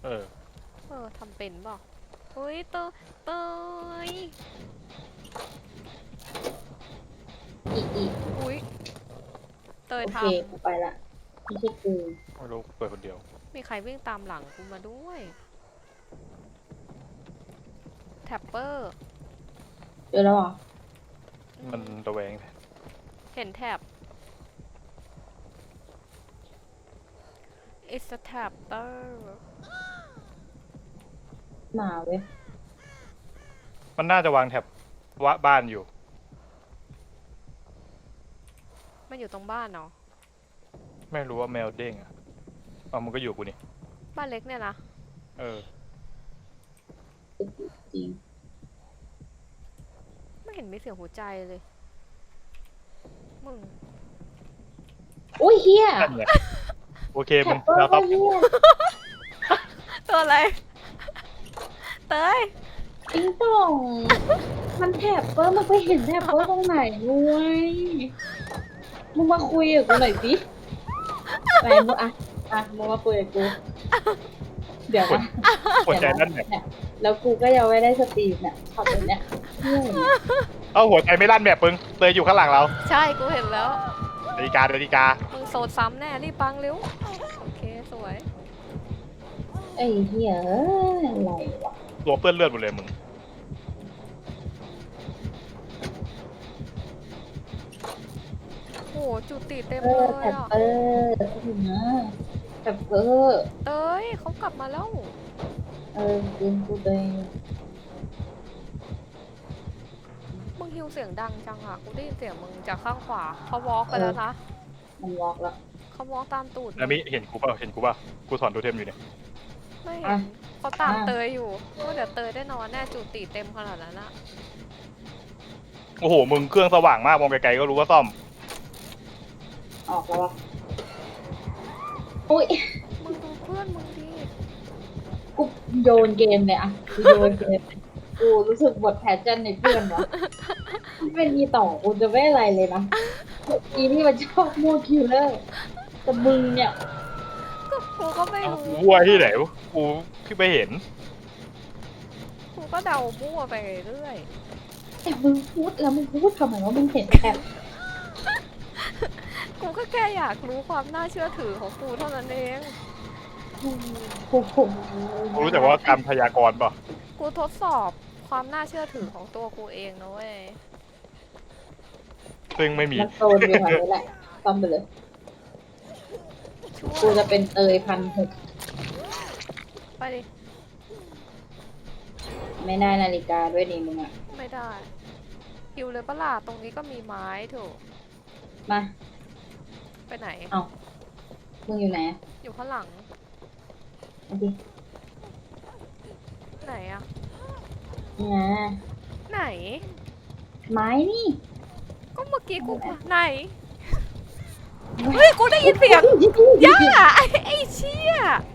เออทำเป็นเปล่าเฮ้ยเตยอีกอุ้ยเตยโอเคทกูไปละไม่ใช่กูไม่รู้เปิดคนเดียวำมีใครวิ่งตามหลังกูมาด้วยแท็ปเปอร์เจอแล้วเหรอมันระแวงเห็นแท็บ it's a tapper หมาเว้ยมันน่าจะวางแถบวะบ้านอยู่มันอยู่ตรงบ้านเนาะไม่รู้ว่าแมวเด้งอ่ะเอามันก็อยู่กูนี่บ้านเล็กเนี่ยนะเออจริงไม่เห็นมีเสียงหัวใจเลยมึงอุ้ยเฮียนั่นไงโอเคแถมึบงเปอเราร์ต้ก็องเฮียตัวอะไรเตยติ้งต่องมันแถบเปอร์มันไปเห็นแถบเปอร์ตรงไหนงวยมึงมาคุยกับกูหน่อยสิไปมึงมึงมาคุยกับกูเดี๋ยวนะหัวใจนั่นแบบเนี่ยแล้วกูก็ยังไม่ได้สตรีมเนี่ยทำแบบเนี้ยเฮียเอาหัวใจไม่ลั่นแบบมึงเตยอยู่ข้างหลังเราใช่กูเห็นแล้วนาฬิกานาฬิกามึงโซดซ้ำแน่รีบปังเร็วโอเคสวยไอ้เฮียเอ้ยอะไรวะตัวเปื้อนเลือดหมดเลยมึงโหจุติเต็มแถเลยบอ่ะเปอร์ถึงนะแถบเปอร์เตยเขากลับมาแล้วจริงกูเลยมึงฮิวเสียงดังจังอ่ะกูได้ยินเสียงมึงจากข้างขวาเขาวอล์กไปแล้วนะมันวอล์กแล้วเขาวอล์กตามตูดนามิเห็นกูเปล่าเห็นกูเปล่ากูถอนตัวเทมอยู่เนี่ยไม่เห็นเขาตามเตยอยู่ก็เดี๋ยวเตยได้นอนแน่จุติเต็มขนาดนั้นอะโอ้โหมึงเครื่องสว่างมากมองไกลๆก็รู้ว่าซ่อมออกแล้ววะอุ้ยมึงดูเพื่อนมึงดิกูโยนเกมเลยอะกูโยนเกมกูรู้สึกบทแพชชั่นในเพื่อนวะถ้าเป็นอีต่อกูจะไม่อะไรเลยนะอีนี่มันชอบมั่วคิวเลอร์แต่มึงเนี่ยก็กูก็ไม่รู้วัวที่ไหนวะกูที่ไปเห็นกูก็เดามั่วไปเรื่อยแต่มึงพูดแล้วมึงพูดทำไมว่ามึงเห็นแอบกูก็แค่อยากรู้ความน่าเชื่อถือของกูเท่านั้นเองโอ้โหกูรู้แต่ว่าการพยากรณ์ป่ะกูทดสอบความน่าเชื่อถือของตัวกูเองนะเว้ยซึ่งไม่มีมันโซนอยู่แถวนี้แหละซ่อมไปเลยช่วยกูจะเป็นเตย1,600 ไปดิไม่ได้นาฬิกาด้วยนี่มึงอะไม่ได้ฮิวเลยปะล่ะตรงนี้ก็มีไม้ถูกมาไปไหนเอามึงอยู่ไหนอะอยู่ข้างหลังเอาดิไหนอะนี่นะไหนไม้นี่ก็เมื่อกี้กูไหน เฮ้ย กูได้ยินเสียงย่าไอ้เชี่ย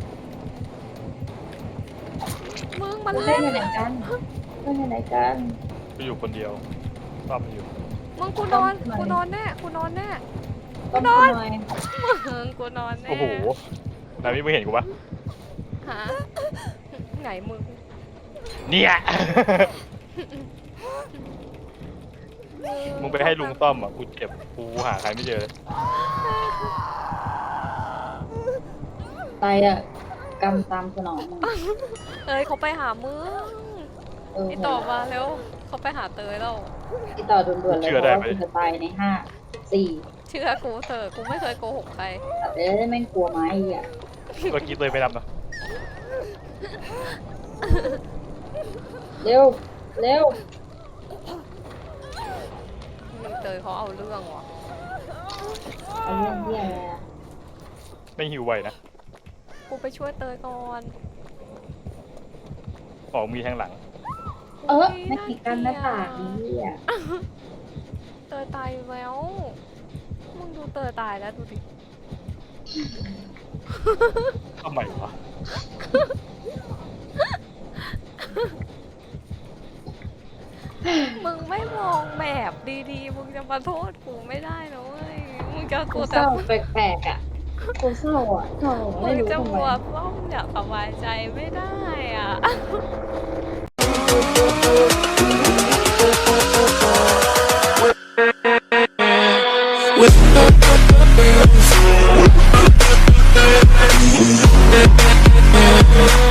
มึงมันเล่เล่นนอยู่ไหนกันเล่นอยู่ไหนกันกูอยู่คนเดียวซ่อมอยู่มึงกูนอนกูนอนแน่กูนอนแน่ต้นนอนหน่อยมึงกูนอนแน่โอ้โหนามิมึงเห็นกูปะฮะไหนมึงเนี่ย มึงไปให้ลุงซ่อมอ่ะกูเจ็บกูหาใครไม่เจอเลยตายอะกรรมตามสนองมึงเอ้ยเขาไปหามึงเไอต่อมาแล้วเขาไปหาเตยแล้วที่ต่อด่วนๆเลยเพราะว่ากูจะตายใน5 4 เชื่อกูเถอะกูไม่เคยโกหกใครแต่เอ้ยแม่งกลัวไม้อ่ะเมื่อกี้เตยไม่รับนะเร็วเร็วนี่เตยเขาเอาเรื่องว่ะเอาเรื่องเหี้ยอะไรอะไม่หิวไวนะกูไปช่วยเตยก่อนออกมีทางหลังไม่ติดกันหน้าผากนี่อ่ะเตยตายแล้ว มึงดูเตยตายแล้วดูดิทำไมวะมึงไม่มองแมพดีๆ มึงจะมาโทษกูไม่ได้นะเว้ย มึงจะกูกูเศแต่ร้าแปลกๆอ่ะกูเศร้าอ่ะเศร้ามึไม่งรู้จะทำไมมัวป้อมเนี่ยสบายใจไม่ได้อ่ะ With